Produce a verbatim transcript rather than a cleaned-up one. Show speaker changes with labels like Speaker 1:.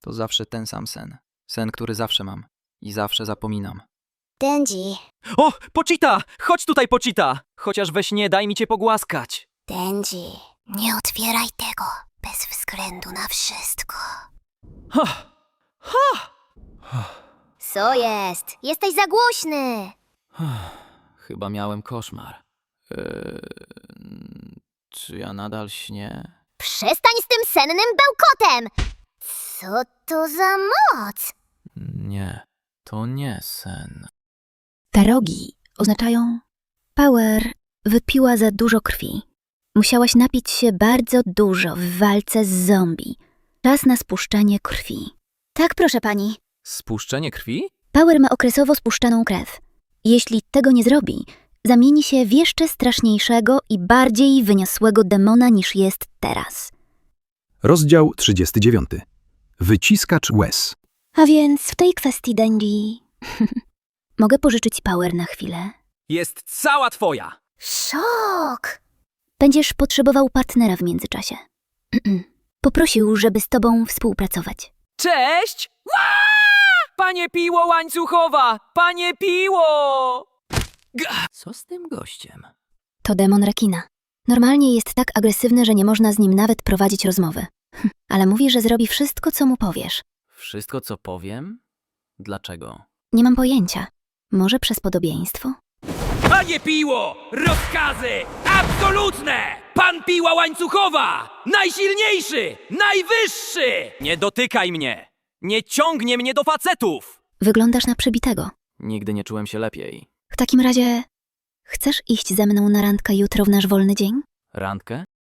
Speaker 1: To zawsze ten sam sen. Sen, który zawsze mam. I zawsze zapominam.
Speaker 2: Denji,
Speaker 3: O, Pochita! Chodź tutaj, Pochita! Chociaż we śnie daj mi cię pogłaskać.
Speaker 2: Denji, nie otwieraj tego bez względu na wszystko.
Speaker 3: Ha! Ha!
Speaker 2: Co jest? Jesteś za głośny.
Speaker 1: Chyba miałem koszmar. Eee, czy ja nadal śnię?
Speaker 2: Przestań z tym sennym bełkotem! Co to za moc?
Speaker 1: Nie, to nie sen.
Speaker 4: Te rogi oznaczają Power wypiła za dużo krwi. Musiałaś napić się bardzo dużo w walce z zombie. Czas na spuszczenie krwi. Tak, proszę pani.
Speaker 1: Spuszczenie krwi?
Speaker 4: Power ma okresowo spuszczaną krew. Jeśli tego nie zrobi, zamieni się w jeszcze straszniejszego i bardziej wyniosłego demona niż jest teraz.
Speaker 5: Rozdział trzydziesty dziewiąty. Wyciskacz łez.
Speaker 4: A więc w tej kwestii, Denji... Mogę pożyczyć Power na chwilę?
Speaker 3: Jest cała twoja!
Speaker 2: Szok!
Speaker 4: Będziesz potrzebował partnera w międzyczasie. Poprosił, żeby z tobą współpracować.
Speaker 3: Cześć! Ła! Panie Piło Łańcuchowa! Panie Piło!
Speaker 1: Co z tym gościem?
Speaker 4: To demon rekina. Normalnie jest tak agresywny, że nie można z nim nawet prowadzić rozmowy. Ale mówi, że zrobi wszystko, co mu powiesz.
Speaker 1: Wszystko, co powiem? Dlaczego?
Speaker 4: Nie mam pojęcia. Może przez podobieństwo?
Speaker 3: Panie Piło! Rozkazy! Absolutne! Pan Piła Łańcuchowa! Najsilniejszy! Najwyższy! Nie dotykaj mnie! Nie ciągnie mnie do facetów!
Speaker 4: Wyglądasz na przebitego.
Speaker 1: Nigdy nie czułem się lepiej.
Speaker 4: W takim razie... Chcesz iść ze mną na randkę jutro w nasz wolny dzień?
Speaker 1: Randkę?